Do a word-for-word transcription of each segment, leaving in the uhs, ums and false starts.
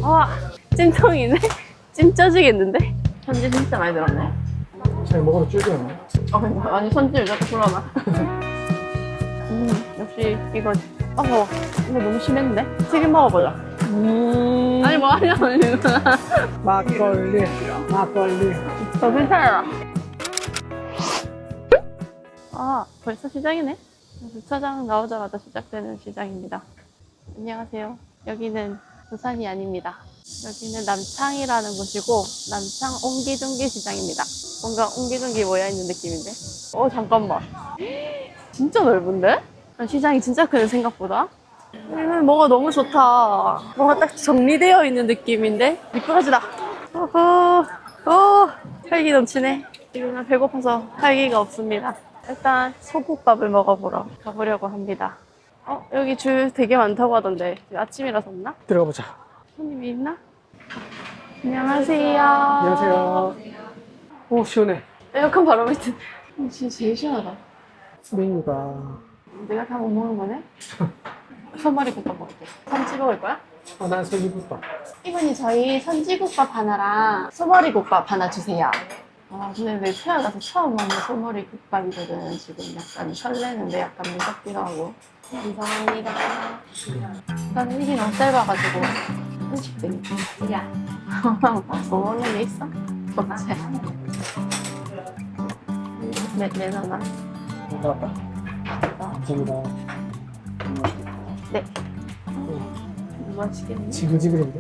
와, 찜통이네? 찜 쪄지겠는데? 편지 진짜 많이 들었네. 잘 먹어도 쫄깃하네. 어, 그러니까. 아니, 손질 자꾸 불어나. 음, 역시 이거. 어, 이거 너무 심했는데? 튀김 먹어보자. 음. 아니, 뭐 하냐, 아니. 막걸리, 막걸리. 더 괜찮아. 아, 벌써 시장이네? 주차장 나오자마자 시작되는 시장입니다. 안녕하세요. 여기는 부산이 아닙니다. 여기는 남창이라는 곳이고 남창 옹기종기 시장입니다. 뭔가 옹기종기 모여있는 느낌인데? 어, 잠깐만. 진짜 넓은데? 시장이 진짜 크네, 생각보다. 음, 뭐가 너무 좋다. 뭔가 딱 정리되어 있는 느낌인데? 미꾸라지다. 어허, 어, 활기 넘치네. 지금은 배고파서 활기가 없습니다. 일단 소국밥을 먹어보러 가보려고 합니다. 어, 여기 줄 되게 많다고 하던데 아침이라서 없나? 들어가 보자. 손님이 있나? 안녕하세요. 안녕하세요. 오, 시원해. 에어컨 바로 밑에. 진짜 제일 시원하다. 메뉴가 내가 다 못 먹는 거네? 소머리 국밥 먹을게. 참치 먹을 거야? 아, 난 소기국밥. 이분이 저희 선지국밥 하나랑 소머리 국밥 하나 주세요. 아, 근데 내 태어나서 처음 먹는 소머리 국밥이거든. 지금 약간 설레는데 약간 무섭기도 하고. 감사합니다. 나는 입이 너무 짧아가지고 한식된 야, 뭐 먹는 게 있어? 없지? 네, 내놔놔. 나왔다. 감사합니다. 네. 뭐 하시겠니? 지글지글인데?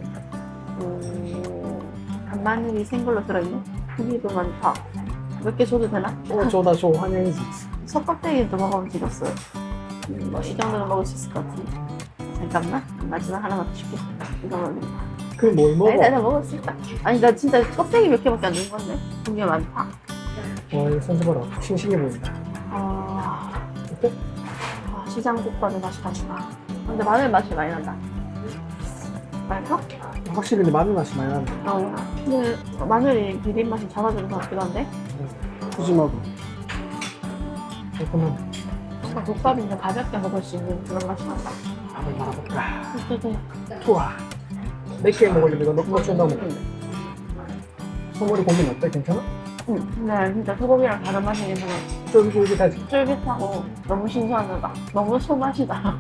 음, 간마늘이 생걸로 들어있네. 고기도 많다. 몇 개 줘도 되나? 오, 저다, 저 환영이지. 석껍데기도 먹으면 되겠어. 음, 뭐, 이 정도는 먹을 수 있을 것 같은데. 잠깐만. 마지막 하나만 더 줄게. 이거만. 그럼 뭘 먹어? 아니, 나 먹을 수 있다. 아니, 나 진짜 껍데기 몇 개밖에 안 된 건데. 고기가 많다. 와, 이거 손 봐라. 싱싱해 보인다. 아, 어때? 아 시장 국밥의 맛이 다시 나. 근데 마늘 맛이 많이 난다. 맛있어? 확실히 근데 마늘 맛이 많이 나네. 어. 근데 마늘이 비린 맛이 잡아주는 것 같기도 한데. 푸짐하고. 깔끔하네. 뭔가 국밥인데 가볍게 먹을 수 있는 그런 맛이 난다. 밥을 말아볼까? 어떡해. 좋아. 몇 개 먹으려면 이거 너무 좀 너무. 소머리 고민 어때? 괜찮아? 응. 근데 진짜 소고기랑 다른 맛이긴 하네. 쫄깃쫄깃하지? 쫄깃하고 너무 신선하다. 너무 소맛이다.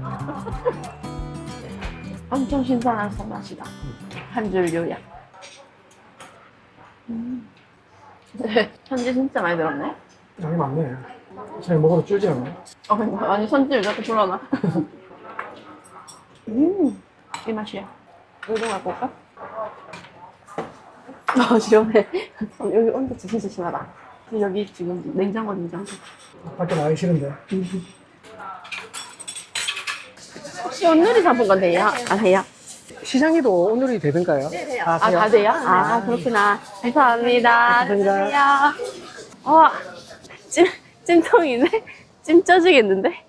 엄청 신선한 소맛이다. 한 줄 요약. 음. 네, 편지 진짜 많이 들었네. 양이 많네. 잘 먹어도 쫄지 않네. 어, 그러니까. 아니, 손질 자꾸 불어나. 음, 이 맛이야. 우동할 볼까? 아, 시원해. 어, 여기 온도 진짜 심하다. 여기 지금 냉장고, 냉장고. 밖에 나가기 싫은데. 혹시 오늘이 잡은 건 돼요? 안 해요? 시장에도 오늘이 되던가요? 아, 다 돼요? 아, 그렇구나. 감사합니다. 감사합니다. 안녕하세요. 와, 찜, 찜통이네? 찜 쪄지겠는데?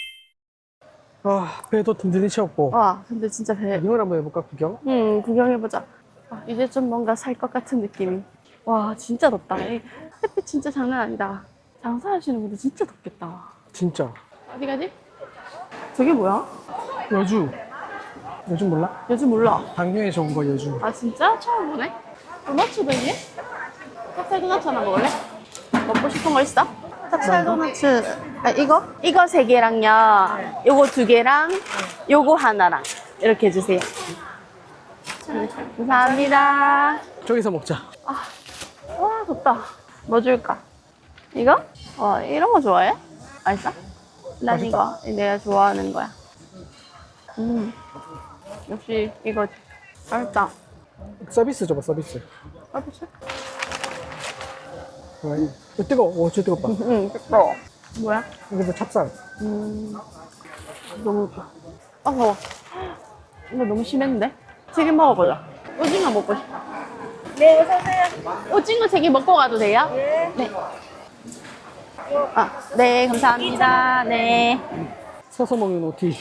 아, 배도 든든히 채웠고. 와, 근데 진짜 배, 구경을 한번 해볼까, 구경? 음, 구경해보자. 아, 이제 좀 뭔가 살 것 같은 느낌이. 와, 진짜 덥다. 이 햇빛 진짜 장난 아니다. 장사하시는 분들 진짜 덥겠다. 진짜. 어디 가지? 저게 뭐야? 여주. 여주 몰라? 요즘 몰라. 당뇨에 좋은 거 여주. 아, 진짜? 처음 보네? 도너츠도 있니? 찹쌀 도너츠 하나 먹을래? 먹고 싶은 거 있어? 찹쌀 도너츠. 아, 이거? 이거 세 개랑요. 요거 두 개랑 요거 하나랑. 이렇게 해주세요. 감사합니다. 저기서 먹자. 와, 덥다. 뭐 줄까? 이거? 와, 이런 거 좋아해? 맛있어? 난 맛있다. 이거. 내가 좋아하는 거야. 음. 역시 이거지. 맛있다. 서비스 줘봐, 서비스. 맛있어? 어, 이거 뜨거워. 오, 저 뜨겁다. 응, 뜨거워. 뭐야? 이게 뭐 찹쌀. 음. 너무, 아, 더워. 이거 너무 심했는데? 튀김 먹어보자. 오징어 먹고 싶어. 네, 어서오세요. 오징어 세 개 먹고 가도 돼요? 네. 네. 아, 네, 감사합니다. 네. 서서 먹는 오티.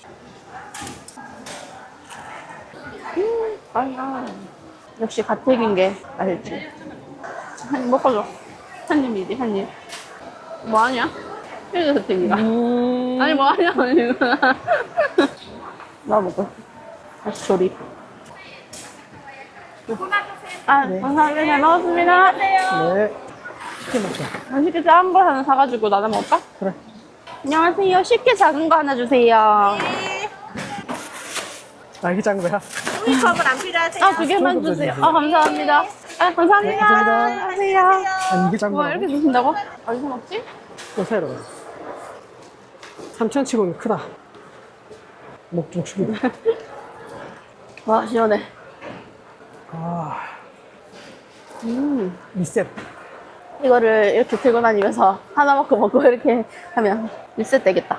음, 맛있다. 역시 가택인 게 맛있지. 한 입 먹어줘. 한 입이지, 한 입. 뭐 하냐? 해줘, 가택이가. 음. 아니, 뭐 하냐, 아니. 나 먹고 싶어. 다시 조립. 아, 감사합니다. 잘 먹었습니다. 네. 치킨 먹자. 맛있게 작은 걸 하나 사가지고 나눠 먹을까? 그래. 안녕하세요. 쉽게 작은 거 하나 주세요. 아, 이게 작은 거야? 종이컵은 안 필요하세요? 아, 두 개만 조금 더 주세요. 주세요. 아, 감사합니다. 아, 감사합니다. 네, 감사합니다. 안녕하세요. 아니, 이게 작은 와, 거야? 이렇게 주신다고? 어디서 먹지? 또 사이로 가. 삼천 치고는 크다. 목 좀 축이다. 와, 시원해. 아, 음. 리셋. 이거를 이렇게 들고 다니면서 하나 먹고 먹고 이렇게 하면 리셋 되겠다.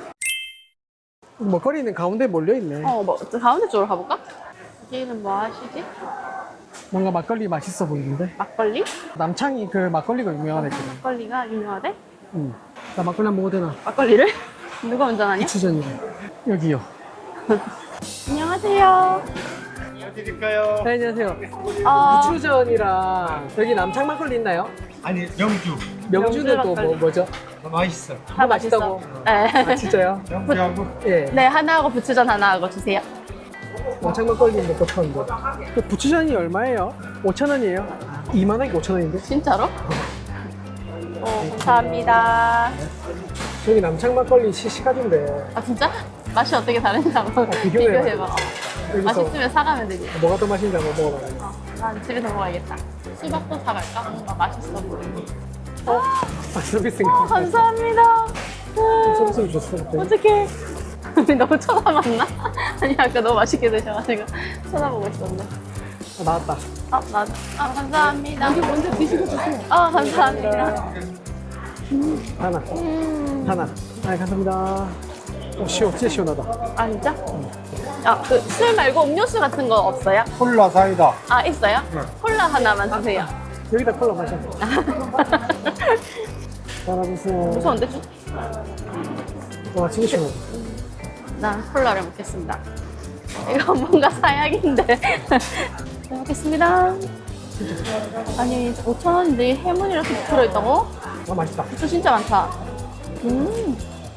먹거리는 가운데 몰려있네. 어, 뭐, 저 가운데 쪽으로 가볼까? 여기는 뭐 하시지? 뭔가 막걸리 맛있어 보이는데? 막걸리? 남창이 그 막걸리가 유명하거든. 막걸리가 유명하대? 응. 나 막걸리 한 번 먹어도 되나? 막걸리를? 누가 운전하냐? 추전이래. 여기요. 안녕하세요. 드릴까요? 네, 안녕하세요. 어, 추전이랑 여기 남창 막걸리 있나요? 아니 명주 명주는 또 뭐, 막걸리. 뭐죠? 맛있어. 다 맛있어. 맛있다고? 네. 아, 진짜요? 명주하고 예. 네, 하나 하고 부추전 하나 하고 주세요. 남창 막걸리 먹고 싶었는데. 그 부추전이 얼마예요? 오천 원이에요? 이만 원이 오천 원인데? 진짜로? 어, 감사합니다. 저기 남창 막걸리 시시가지인데 아, 진짜? 맛이 어떻게 다른지 한번 비교해봐. 비교해봐. 어. 여기서 맛있으면 사가면 되지. 뭐가 더 맛있는지 한번 먹어봐요. 어, 난 집에서 먹어야겠다. 수박도 사갈까? 뭔가 맛있어 보이네. 아, 서비스인가? 어, 감사합니다. 서비스를 줬어. 그때. 어떡해. 우리 너무 쳐다봤나? 아니, 아까 너무 맛있게 드셔가지고 쳐다보고 있었네. 아, 나왔다. 아, 나, 아, 감사합니다. 여기 먼저 드시고 주세요. 아, 감사합니다. 하나. 음, 하나. 아, 감사합니다. 어, 시원, 진짜 시원하다. 아, 진짜? 아, 그, 술 말고 음료수 같은 거 없어요? 콜라 사이다. 아, 있어요? 콜라 하나만 주세요. 여기다 콜라 마셔. 따라주세요. 무서운데? 좀? 와, 진짜 시원하다. 난 콜라를 먹겠습니다. 이거 뭔가 사약인데. 잘 먹겠습니다. 아니, 오천 원인데 해문이 이렇게 들어있다고? 아, 맛있다. 술 진짜 많다. 음.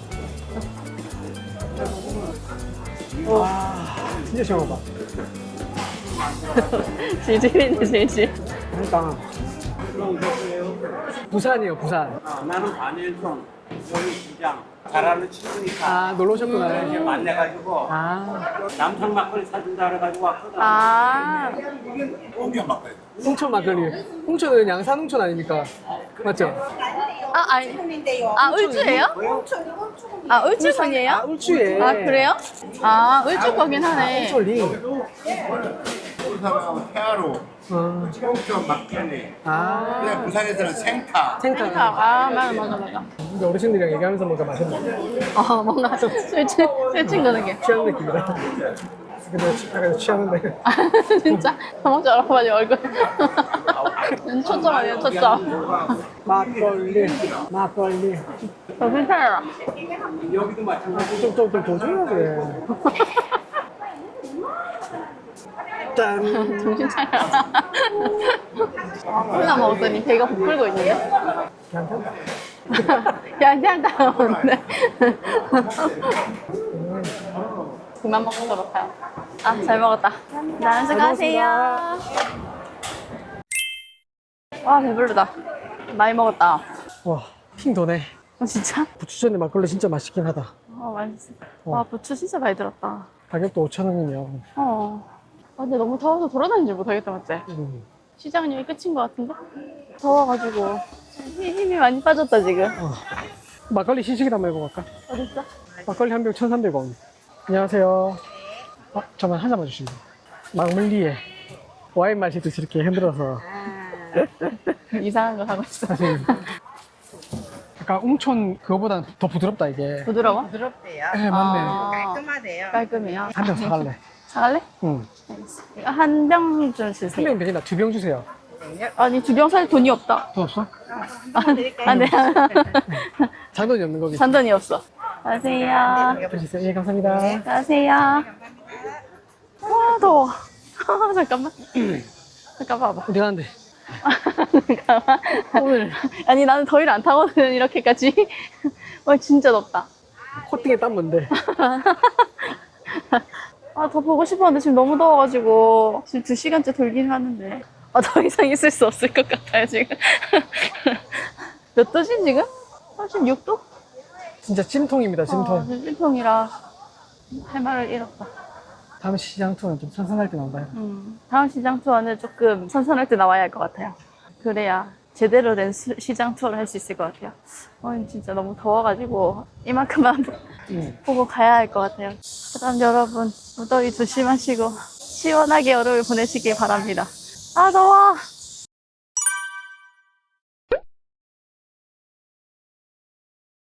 와, 진짜 시원하다. 질질이네, 질질. 그러니까. 부산이에요, 부산. 나는 관일성 여기 시장 잘하는 친구니까 아, 놀러 오셨구나. 이렇게 만나가지고 아, 남성 막걸리 사준다 그래가지고 왔거든. 아, 홍천 막걸리. 홍천은 양산 홍천 아닙니까? 맞죠? 아, 아니. 아, 울주예요? 아, 울주선이에요? 아, 울주에. 아, 그래요? 아, 울주 거긴 하네. 홍천리. 부산하고 태아로, 아, 홍천 막걸리. 아, 그냥 부산에서는 생타. 생타. 아, 맞아, 맞아, 맞아. 근데 어르신들이랑 얘기하면서 뭔가 맛있네. 어, 뭔가 술, 술, 술 친구는 게. 취하는 느낌이다. 근데 취- 약간 취하는데. 아, 진짜? 너무 저렇게 얼굴. 초점 아니에요, 초점. 막걸리, 막걸리. 저 괜찮아요. 여기도 마찬가지. 좀, 좀, 좀 도전해야 돼. 짠. 정신 차려. 콜라 먹었더니 배가 부풀고 있는데? 괜찮다. 괜찮다는데. 그만 먹도록 해요. 아, 잘 먹었다. 나는 수고하세요. 와, 배부르다. 많이 먹었다. 와, 핑 도네. 어, 진짜? 부추전에 막걸리 진짜 맛있긴 하다. 어, 맛있어. 와, 부추 진짜 많이 들었다. 가격도 오천 원이면. 어. 아, 근데 너무 더워서 돌아다니지 못하겠다, 맞지? 음. 시장은 여기 끝인 것 같은데? 더워가지고 힘- 힘이 많이 빠졌다, 지금. 어. 막걸리 시식이나 한번 해볼까? 어딨어? 막걸리 한 병 천삼백 원. 안녕하세요. 아, 잠깐 한 잔만 주시면. 막물리에 와인 마시듯이 이렇게 흔들어서. 이상한 거 하고 있어. 사실 약간 웅촌 그거보다 더 부드럽다 이게. 부드러워? 부드럽대요. 네, 맞네. 아, 깔끔하대요. 깔끔해요. 한 병 사갈래. 사갈래? 응. 알겠어. 이거 한 병 좀 한 주세요. 병 되겠나? 두 병 주세요. 아니, 두 병 살 돈이 없다. 돈 없어? 아, 네. 잔돈이 없는 거기. 잔돈이 없어. 안녕하세요. 주세요. 예, 감사합니다. 안녕하세요. 와, 더워. 잠깐만. 잠깐 봐봐. 어디 가는데? 잠깐만. 오늘. 아니, 나는 더위를 안 타거든, 이렇게까지. 와, 진짜 덥다. 코팅에 땀 뭔데? 아, 더 보고 싶었는데 지금 너무 더워가지고 지금 두 시간째 돌긴 하는데 아, 더 이상 있을 수 없을 것 같아요 지금. 몇 도지 지금? 삼십육 도? 진짜 찜통입니다, 찜통. 아, 지금 찜통이라 할 말을 잃었다. 다음 시장 투어는 좀 선선할 때 나온다. 음, 다음 시장 투어는 조금 선선할 때 나와야 할 것 같아요. 그래야 제대로 된 수- 시장 투어를 할 수 있을 것 같아요. 오늘 진짜 너무 더워가지고 이만큼만 음. 보고 가야 할 것 같아요. 그럼 여러분 무더위 조심하시고 시원하게 여름을 보내시길 바랍니다. 아 더워!